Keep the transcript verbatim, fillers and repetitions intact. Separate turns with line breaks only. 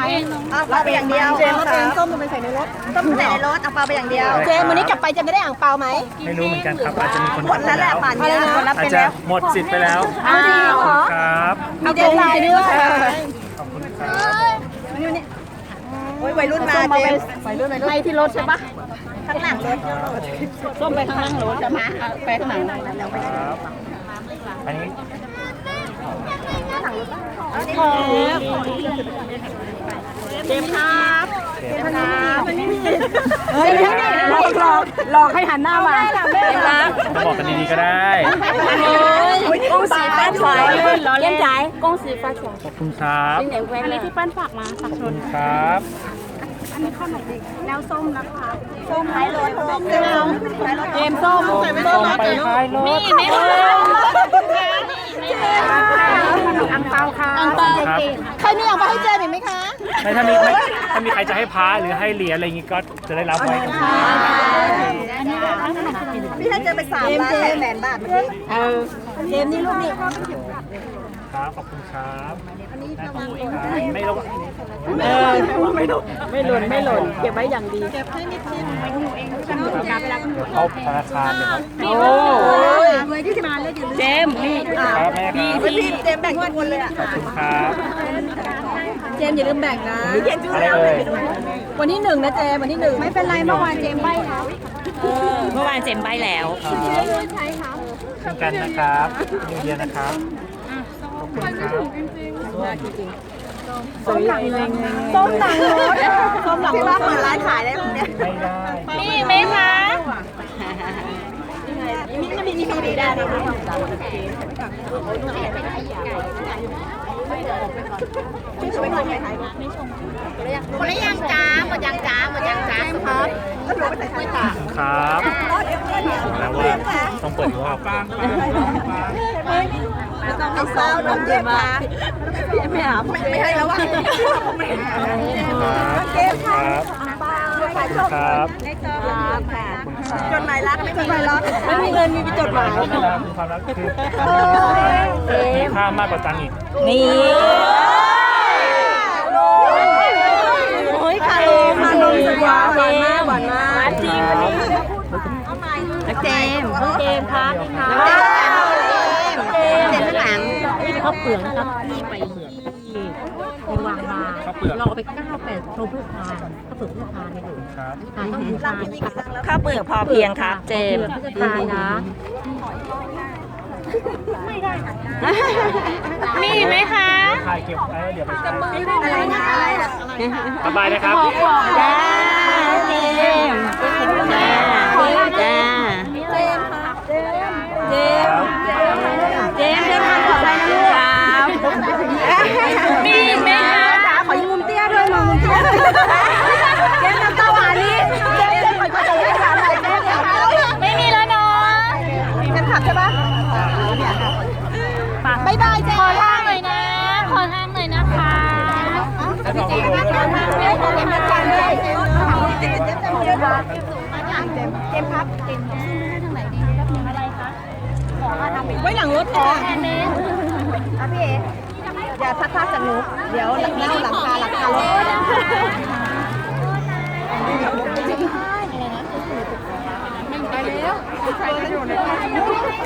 เอาเปาไปอย่างเดียวเจมส์ส้มไปใส่ในรถส้มใส่ในรถเอาเปาไปอย่างเดียวเจมส์วันนี้กลับไปจะไม่ได้อ่างเปาไหม
ไม่รู้เหมือนกันครับอาจจะมีคน
หมดแล้วแหละป่านนี้คนรับ
อา
ไป
จจะ
แล้ว
หมดสิทธิ์ไปแล้ว
เอาดีเหรอ
ครับ
มีเดทไลน์ด้วย
ขอบคุณครับ
โอ้ยวัยรุ่นมาเจมส์วัยรุ่นวัยรุ่นไปที่รถใช่ปะข้างหลังรถส้มไปข้างหลังรถจะมาไปข้างหลังแล้ว
ครับอันนี้
เจมส์ครับเจมส์ครับเฮ้ยหลอกหลอกหลอกให้หันหน้ามาเจมส์ครับ
จะบอกกันดีๆก็ได้
恭喜发财เล่นใจ恭喜发财
ขอบคุณครับ
อันนี้ที่ปั้นฝากมาฝาก
ขอบ
ช
คุ
น
ณครับ
แล้วส้มนะคะส้มท้ายรถเจมส์เจมส์ส้ม
ส่งไปท้ายรถ
มีไหมคะอังเปาค่ะอังเปาใครมีอังเปาให้เจมส์อีกไหมคะ
ไม่ถ้ามีไม่ถ้ามีใครจะให้พาหรือให้เหรียญอะไรอย่างงี้ก็จะได้รับไว้กับคุณ
พี่ให้เจมส์ไปสามล้านแปดแสนบาทเมื่อกี้เออเจมส์นี่ลูกนี่
ครับขอบคุณครับไม่รู้
เออไม่หล่นไม่หล่นไม่หล่นเก็บไว้อย่างดีเก็บให้นิดนึง
เข้าธนาคารเลยครับ
โอ้ยเจมส์นี่
ครับแม่ครับ
พี่เจมส์แบ่งทุกคนเลยอ่ะ
ขอบคุณครับ
เจมส์อย่าลืมแบ่งนะ
อะไรเอ่ย
วันที่หนึ่งนะเจมส์วันที่หนึ่งไม่เป็นไรเมื่อวานเจมส์ใบแล้ว
เมื่อวานเจมใบแล้ว
เช่นกันนะครับนิวเยียร์นะครับขอบคุณครับ
ส้มหลังรถส้มหลังรถส้มหลังรถที่ว่าเปิดร้านขายได้แบบเนี้ย
ไม่ได้
มีไหมคะ
มีมีมีมีได้เลยคนละยังจ้าหมดยังจ้าหมดยังจ้าครับก็หนูไปใส่ถ้วยจ้า
ครับแล้วว่าต้องเปิดรอบ
เอาเศร้าน้องเจมส์มาไม่หาไม่ให้แล้วว่ะ
ครับเกมครับครับ
จดหมายรักไม่มีหมายรักไม่มีเงินมีจดหมาย
ความรักคือมีค่ามากกว่าตังค์อีก
นี่
โอ้ยคาโลคาโลสวยหวานมากหวานมากจริงวันนี้เจมส์เจมส์ครับเจมส์เจมส์ข้างหลัง
ข้าวเปลือกนะครับที่ไปที่ไปวางมาเราเอาไปเก้าแปดโทรเพื่อทานข้าวเปลือกเพื่อทานในหลวง
ครับ
ทานต้องทาน
ข้าวเปลือกพอเพียงครับ เจมส์
เพื่อทานนะ มีไหมคะ
ถ่ายเก็บไว้เดี๋ยวไปใช้
อะไรนะอะไรนะ
สบายนะครับ
จ้าเจมจ้าจ้า
เจมส์ค่ะเจมส์เจมส์เจมส์เดินทางปลอดภัยนะลูกครับมีไหมคะจ๋าขอยืมมุมเตี้ยด้วยมามุมเตี้ยเจมส์น้ำตาหวานนี่เจมส์ขอขอขอขอหน่อยเจมส์
ไม่มีแล้วเนาะ
เจมส์ขับใช่ปะบายบายเจม
ขอ
ส์
ทางหน่อยนะ ขอทางหน่อยนะคะ
แล้วลองดู
เจมส์เจมส์เจมส์เจมส์เจมส์เจมส์เจมส์เจมส์เจมส์เจมส์เจมส์เจมส์เจมส์ครับเจมส์ไว้หลังรถค่ะอ่ะพี่เอ๋อย่าทักทายจากหนูเดี๋ยวหลังหลังคาหลังคารถ